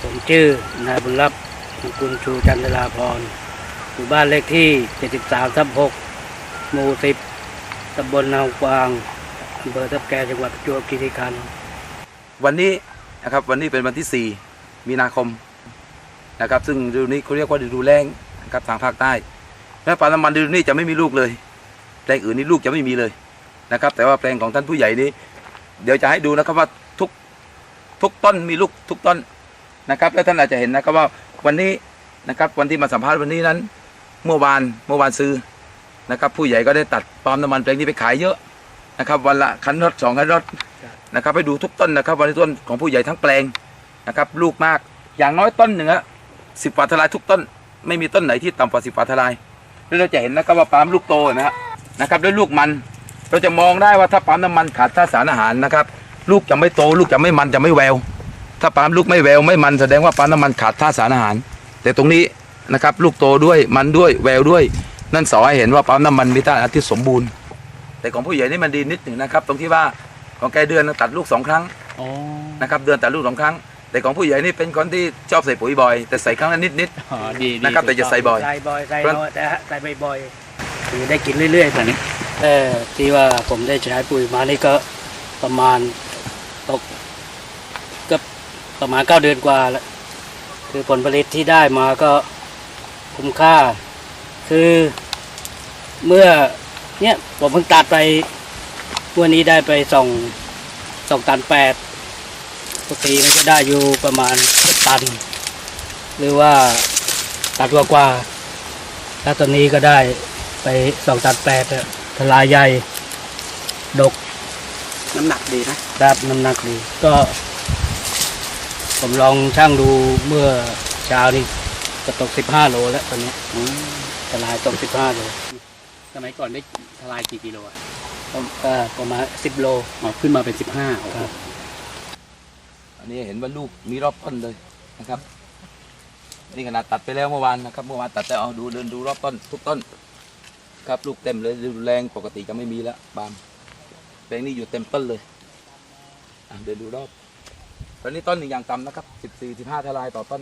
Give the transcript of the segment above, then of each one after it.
ผมชื่อนายบุญรับกุลชูจันทราพรอยู่บ้านเลขที่73/6หมู่10ตำบลนาวกวางอำเภอทับแกจังหวัดประจวบคีรีขันธ์วันนี้นะครับวันนี้เป็นวันที่4มีนาคมนะครับซึ่งฤดูนี้เขาเรียกว่าฤดูแล้งนะครับทางภาคใต้และปาล์มน้ำมันฤดูนี้จะไม่มีลูกเลยแปลงอื่นนี่ลูกจะไม่มีเลยนะครับแต่ว่าแปลงของท่านผู้ใหญ่นี้เดี๋ยวจะให้ดูนะครับว่าทุกต้นมีลูกทุกต้นนะครับแล้วท่านอาจจะเห็นนะครับว่าวันนี้นะครับวันที่มาสัมภาษณ์วันนี้นั้นเมื่อวานซื้อนะครับผู้ใหญ่ก็ได้ตัดปาล์มน้ำมันแปลงนี้ไปขายเยอะนะครับวันละคันรถ2 คันรถนะครับให้ดูทุกต้นนะครับวันนี้ต้นของผู้ใหญ่ทั้งแปลงนะครับลูกมากอย่างน้อยต้นหนึ่ง10 ฝาทลายทุกต้นไม่มีต้นไหนที่ต่ำกว่า10 ฝาทลายแล้วเราจะเห็นนะครับว่าปาล์มลูกโตนะครับด้วยลูกมันเราจะมองได้ว่าถ้าปาล์มน้ำมันขาดธาตุสารอาหารนะครับลูกจะไม่โตลูกจะไม่มันจะไม่แววถ้าปาล์มลูกไม่แววไม่มันแสดงว่าปาล์มน้ำมันขาดธาตุสารอาหารแต่ตรงนี้นะครับลูกโตด้วยมันด้วยแววด้วยนั่นสอให้เห็นว่าปาล์มน้ำมันมีธาตุอาหารที่สมบูรณ์แต่ของผู้ใหญ่นี่มันดีนิดหนึ่งนะครับตรงที่ว่าของแกเดือนตัดลูก2 ครั้งนะครับเดือนตัดลูก2 ครั้งแต่ของผู้ใหญ่นี่เป็นคนที่ชอบใส่ปุ๋ยบ่อยแต่ใส่ครั้งละนิดนะครับแต่จะใส่บ่อยใส่น้อยแต่ใส่บ่อยๆคือได้กินเรื่อยๆแบบนี้ที่ว่าผมได้ใช้ปุ๋ยมานี่ก็ประมาณตกก็ประมาณ9 เดือนกว่าแล้วคือผลผลิตที่ได้มาก็คุ้มค่าคือเมื่อเนี่ยผมเพิ่งตัดไปวันนี้ได้ไป2 ตัน 8ปกติมันจะได้อยู่ประมาณตันหรือว่าตันกว่าแล้วตอนนี้ก็ได้ไป2 ตัน 8ทลายใหญ่ดกน้ำหนักดีนะครับน้ำหนักดีก็ผมลองชั่งดูเมื่อเช้านี้ก็ตก15 โลแล้วตอนนี้ทลายตก15 โลสมัยก่อนได้ทลายกี่กิโลอ่ะก็ประมาณ10 โลขึ้นมาเป็น15 ครับอันนี้เห็นว่าลูกมีรอบต้นเลยนะครับนี่ขนาดตัดไปแล้วเมื่อวานนะครับเมื่อวานตัดแต่เอาเดินดูรอบต้นทุกต้นครับลูกเต็มเลยดูแรงปกติจะไม่มีแล้วบามแปลงนี้อยู่เต็มต้นเลยเดินดูรอบตอนนี้ต้นหนึ่งอย่างต่ำนะครับ14-15 ทลายต่อต้น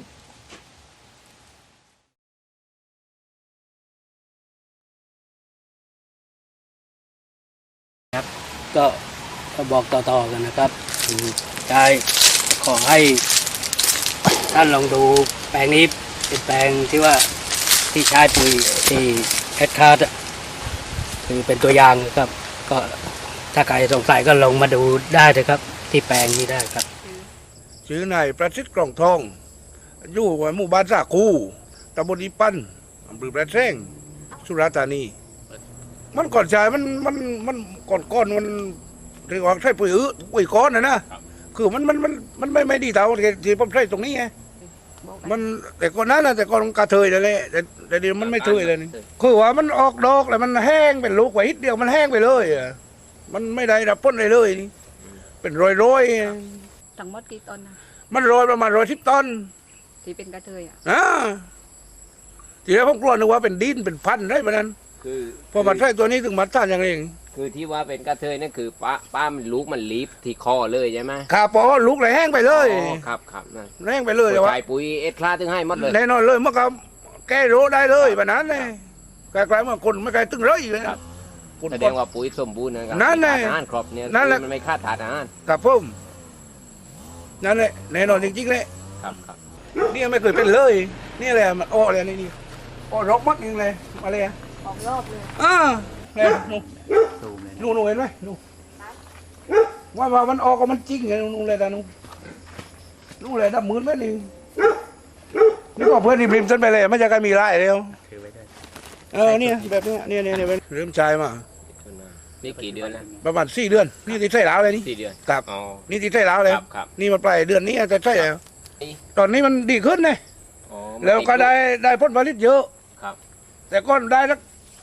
ก็บอกต่อๆกันนะครับใช่ขอให้ท่านลองดูแปลงนี้เป็นแปลงที่ว่าที่ใช้ปุ๋ยที่แอดคาร์ดคือเป็นตัวอย่างนะครับก็ถ้าใครสงสัยก็ลงมาดูได้เลยครับที่แปลงนี้ได้ครับชื่อนายประสิทธิ์กล่องทองอยู่หมู่บ้านสาคูตำบลอีปั้นอำเภอแปรแซงสุราษฎร์ธานีมันก่อนชายมันก่อนมันเรียกว่าใช่ปุ๋ยก้อนนะคือมันไม่ดีเท่าที่ผมใช้ตรงนี้ไงมันแต่ก่อนนั้นนะแต่ก่อนกระเทยเลยแต่เดี๋ยวมันไม่เทยเลยคือว่ามันออกดอกแล้วมันแห้งเป็นลูกไว้นิดเดียวมันแห้งไปเลยมันไม่ได้รับพ้นเลยเป็นรอยทั้งหมดกี่ต้นนะมันรอยประมาณ110 ต้นที่เป็นกระเทยทีแรกผมกลัวนึกว่าเป็นดินเป็นพันธุ์ได้ปะนั้นคือพอมาใช้ตัวนี้ถึงมาต้านอย่างเองคือที่ว่าเป็นกระเทยนั่นคือป้ามันลูกมันลีบที่คอเลยใช่ไหมครับเพราะลูกเลยแห้งไปเลยครับนั่นแห้งไปเลยใส่ปุ๋ยเอ็ดคลาถึงให้หมดเลยแน่นอนเลยเมื่อกี้แก้โรได้เลยแบบนั้นเลยกลายๆว่าคนไม่กลายตึงเลยเลยแสดงว่าปุ๋ยสมบูรณ์นะครับนั่นแหละอาหารครบเนี่ยมันไม่ขาดอาหารครับผมนั่นแหละแน่นอนจริงๆเลยครับนี่ไม่เคยเป็นเลยนี่แหละมันอ้อเลยนี่อ้อรกมัดนึงเลยมาเลยออกรอบเลยเนี่ยนู่นเห็นไหมนู่นว่ามันออกก็มันจริงไงนู่นเลยแต่นู่นเลยดับมือแม่นี่นี่ก็เพื่อนริมฉันไปเลยไม่จะกันมีไรเดียวเนี่ยแบบนี้เนี่ยเริ่มชายมานี่กี่เดือนนะประมาณ4 เดือนนี่ติดไส้แล้วเลยนี่ 4 เดือนครับนี่ติดไส้แล้วเลยนี่มันปลายเดือนนี้จะใช่แล้วตอนนี้มันดีขึ้นเลยแล้วก็ได้ผลผลิตเยอะแต่ก็ได้สัก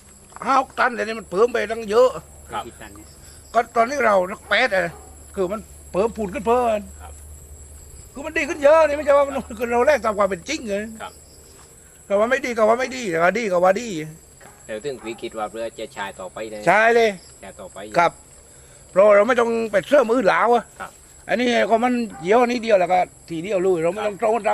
5 ตันแต่นี่มันเพิ่มไปตั้งเยอะก็ตอนนี้เรา8คือมันเพิ่มพูนขึ้นเพิ่มคือมันดีขึ้นเยอะนี่ไม่ใช่ว่าคือเราแรกตามความเป็นจริงเลยแต่ว่าไม่ดีก็ว่าไม่ดีแต่ว่าดีก็ว่าดีเดี๋ยวถึงวิกฤตว่าเรือจะชายต่อไปเลยใช่เลยชายต่อไปครับเพราะเราไม่ต้องไปเชื่อมือหลาวอันนี้ก็มันเยี่ยวนี้เดียวแล้วก็ทีเดียวลุยเราไม่ต้อง